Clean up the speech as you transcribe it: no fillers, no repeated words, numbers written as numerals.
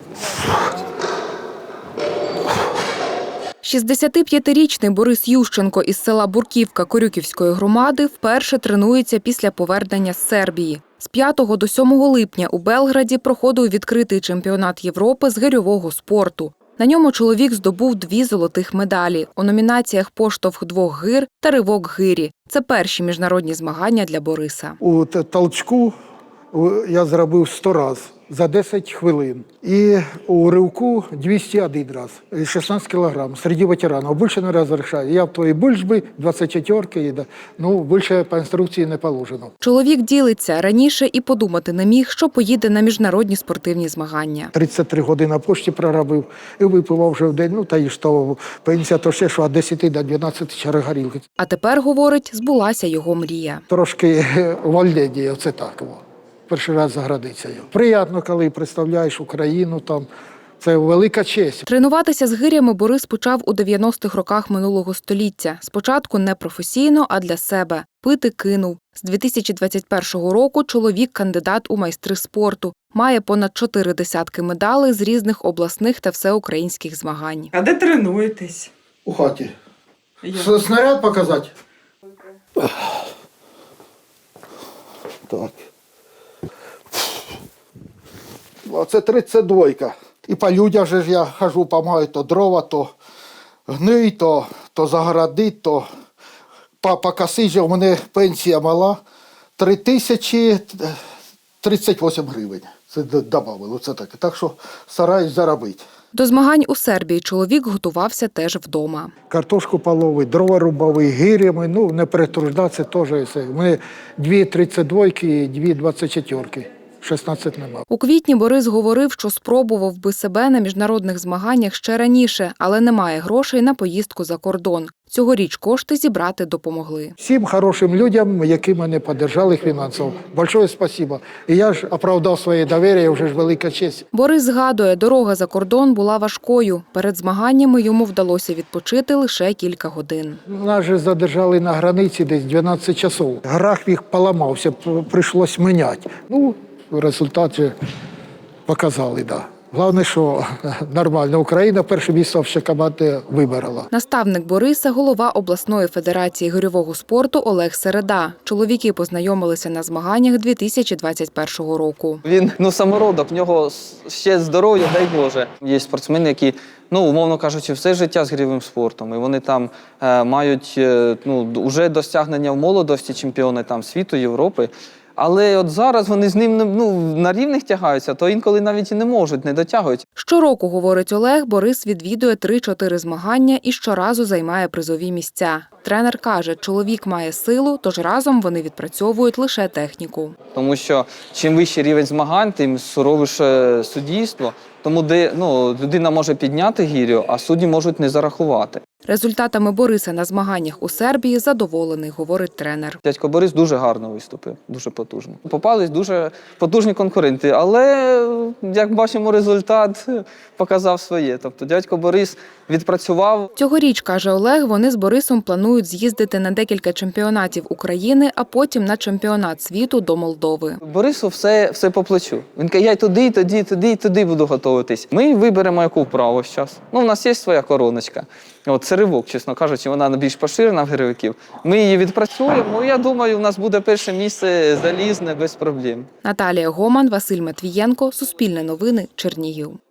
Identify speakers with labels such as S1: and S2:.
S1: 65-річний Борис Ющенко із села Бурківка Корюківської громади вперше тренується після повернення з Сербії. З 5 до 7 липня у Белграді проходив відкритий чемпіонат Європи з гирьового спорту. На ньому чоловік здобув 2 золотих медалі у номінаціях «Поштовх двох гир» та «Ривок гирі». Це перші міжнародні змагання для Бориса.
S2: У толчку я зробив 100 разів за 10 хвилин. І у ривку 201 раз, 16 кілограм, серед ветеранів. Більше не розрішаю. Я в твоїй більшбі, 24-ки, ну, більше по інструкції не положено.
S1: Чоловік ділиться, раніше і подумати не міг, що поїде на міжнародні спортивні змагання.
S2: 33 години на пошті проробив і випивав вже в день, ну, та й що, пенсія то ще, що від 10 до 12 чарок горілки.
S1: А тепер, говорить, збулася його мрія.
S2: Трошки вольнення, оце так. Перший раз за границею. Приємно, коли представляєш Україну, там це велика честь.
S1: Тренуватися з гирями Борис почав у 90-х роках минулого століття. Спочатку не професійно, а для себе. Пити кинув. З 2021 року чоловік – кандидат у майстри спорту. Має понад 4 десятки медалей з різних обласних та всеукраїнських змагань.
S3: А де тренуєтесь?
S2: У хаті. Снаряд показати? Так. Це 32-ка. І по людях же ж я хожу, допомагаю, то дрова, то гний, то загородить, то покосить. У мене пенсія мала 3038 гривень. Це додали, це таке. Так що стараюсь заробити.
S1: До змагань у Сербії чоловік готувався теж вдома.
S2: Картошку половий, дрова рубовий, гирями, ну не перетруждатися теж. У мене 2 32-ки і 2 24-ки. 16 нема.
S1: У квітні Борис говорив, що спробував би себе на міжнародних змаганнях ще раніше, але немає грошей на поїздку за кордон. Цьогоріч кошти зібрати допомогли.
S2: Всім хорошим людям, які мене підтримали фінансово. Большое спасибо. І я ж оправдав своє довір'я, вже ж велика честь.
S1: Борис згадує, дорога за кордон була важкою. Перед змаганнями йому вдалося відпочити лише кілька годин.
S2: Нас же задержали на границі десь 12 часов. Графік поламався, прийшлось міняти. Ну, результат же показали, так. Да. Головне, що нормально. Україна перше місце в команди виборола.
S1: Наставник Бориса – голова обласної федерації гирьового спорту Олег Середа. Чоловіки познайомилися на змаганнях 2021 року.
S4: Він самородок, в нього ще здоров'я, дай Боже. Є спортсмени, які, умовно кажучи, все життя з гирьовим спортом. І вони там мають вже досягнення в молодості, чемпіони там світу, Європи. Але от зараз вони з ним на рівних тягаються, то інколи навіть і не можуть, не дотягують.
S1: Щороку, говорить Олег, Борис відвідує 3-4 змагання і щоразу займає призові місця. Тренер каже, чоловік має силу, тож разом вони відпрацьовують лише техніку.
S4: Тому що чим вищий рівень змагань, тим суровіше суддівство. Тому де людина може підняти гірю, а судді можуть не зарахувати.
S1: Результатами Бориса на змаганнях у Сербії задоволений, говорить тренер.
S4: Дядько Борис дуже гарно виступив, дуже потужно. Попались дуже потужні конкуренти, але, як бачимо, результат показав своє. Тобто дядько Борис відпрацював.
S1: Цьогоріч, каже Олег, вони з Борисом планують з'їздити на декілька чемпіонатів України, а потім на чемпіонат світу до Молдови.
S4: Борису все по плечу. Він каже, я й туди буду готуватись. Ми виберемо, яку вправу зараз. У нас є своя короночка. Це ривок, чесно кажучи, вона більш поширена в гирьовиків. Ми її відпрацюємо, я думаю, у нас буде перше місце залізне без проблем.
S1: Наталія Гоман, Василь Матвієнко, Суспільне новини, Чернігів.